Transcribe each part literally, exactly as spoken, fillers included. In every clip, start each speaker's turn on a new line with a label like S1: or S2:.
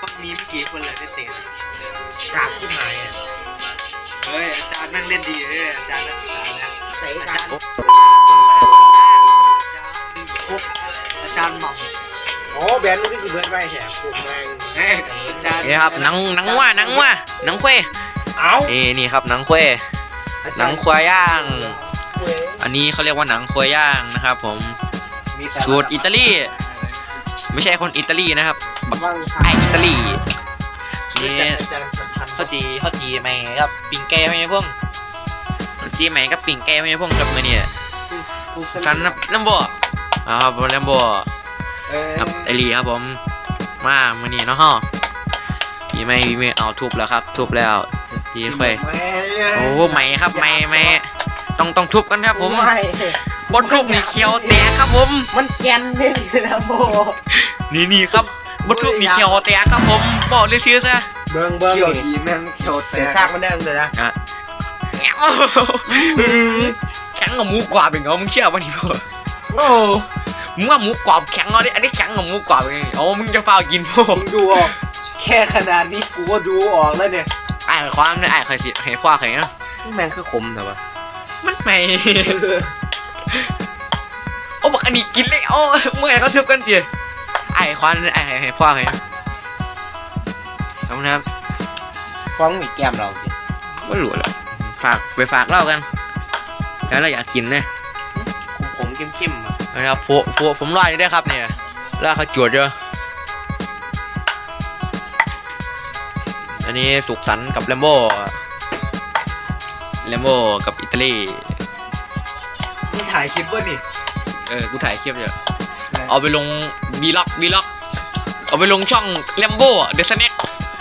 S1: มีไม่กี่คนเลยได้เตะ
S2: กากที่หายอ่ะ
S1: เฮ้ยอาจารย์นั่งเล่นดีเลยอาจารย์นักศึกษานะ
S2: ใส่
S1: อา
S2: กั
S1: จาน รย์ครบอาจารย์หม่ำ
S2: โอ้แบนนี่สิเบิร์ดไปแถมปวดแรง
S1: เฮ้ยอาจารย์
S3: นี่ครับหนังหนังว่าหนังว่าหนังเคว
S2: เอ้า
S3: นี่นี่ครับหนังเควหนังควายย่างอันนี้เขาเรียกว่าหนังควายย่างนะครับผมสูตรอิตาลีไม่ใช่คนอิตาลีนะครับไออิตาลีนี่ข้าวจีข้าวจีใหม่ครับปิ่งแก้ไม่ใช่พวกข้าวจีใหม่กับปิ่งแก้ไม่ใช่พวกครับมือเนี่ยกันน้ำบัวครับน้ำบัวครับไอรีครับผมมามือนี้เนาะฮะจีไม่ไม่เอาทุบแล้วครับทุบแล้วจีเควโอ้ใหม่ครับใหม่ใหม่ต้องต้องทุบกันครับผมบนทุบนี่เขียวแตกครับผม
S2: มันแกนนี่นะโบ
S3: นี่นี่ครับบนทุบนี่เขียวแตกครับผมบอกเลยชื่อซะ
S2: เบิ้งเบิ้ง
S1: เขียวดีแม่งเขียวแตก
S2: ซากมันได้เลยนะ
S3: แข็งกับหมูกรอบเป็นไงมึงเชื่อป่ะนี่พ่อโอ้มึงว่าหมูกรอบแข็งเอาดิอันนี้แข็งกับหมูกรอบเป็นไงโอ้มึงจะฟาวกินพ่อ
S1: มึงดูออกแค่ขนาดนี้กูก็ดูออกแล้วเนี่ย
S3: ไอ้ความเนี่ยไอ้เคยสิเห็นพ่อเคยเนาะ
S2: แมงคือขมแต่ว่า
S3: มันไม่โอ้บอกอันนี้กินเลยโอ้เมื่อไงเขาเทียบกันเจี๋ยไอ้ความไอ้เห็นพ่อเคยเอานะครับ
S2: ฟ้องมีแก้มเราสิ
S3: ว่าหลุดแล้วฝากไปฝากเล่ากันแล้วเราอยากกินเนี่ย
S2: ขมๆเข้มๆ
S3: นะครับพวกพวกผมรออยู่ได้ครับเนี่ยแล้วเขาจวดเยอะอันนี้สุขสันต์กับแลมโบ้แลมโบ้กับอิตาลี
S1: มึงถ่ายคลิปวะนี่
S3: เออกูถ่ายคลิปอยู่เอาไปลงวีล็อกวีล็อกเอาไปลงช่องแลมโบ้เดอะสแน็ค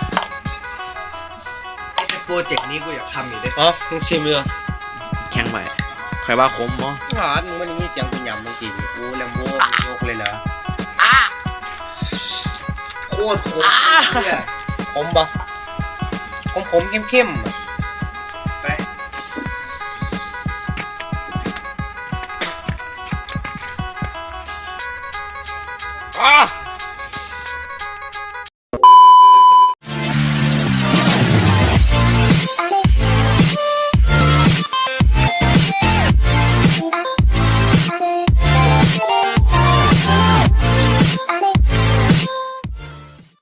S1: โปรเจกต์นี้กูอยากทำอยู่ด้วย
S2: อ๋อมึงชิมเลย
S3: แข่งใหม่ใครว่าคมมั้ง
S2: อ๋อมึงมันมีเสียงกุญยำมึงกินกูแลมโบ้ยกเลยเหรอ
S3: อ่ะ
S1: โคตรขมเนี่ย
S2: ขมปะขมขมเข้มเข้ม
S1: ไป
S2: อ่ะ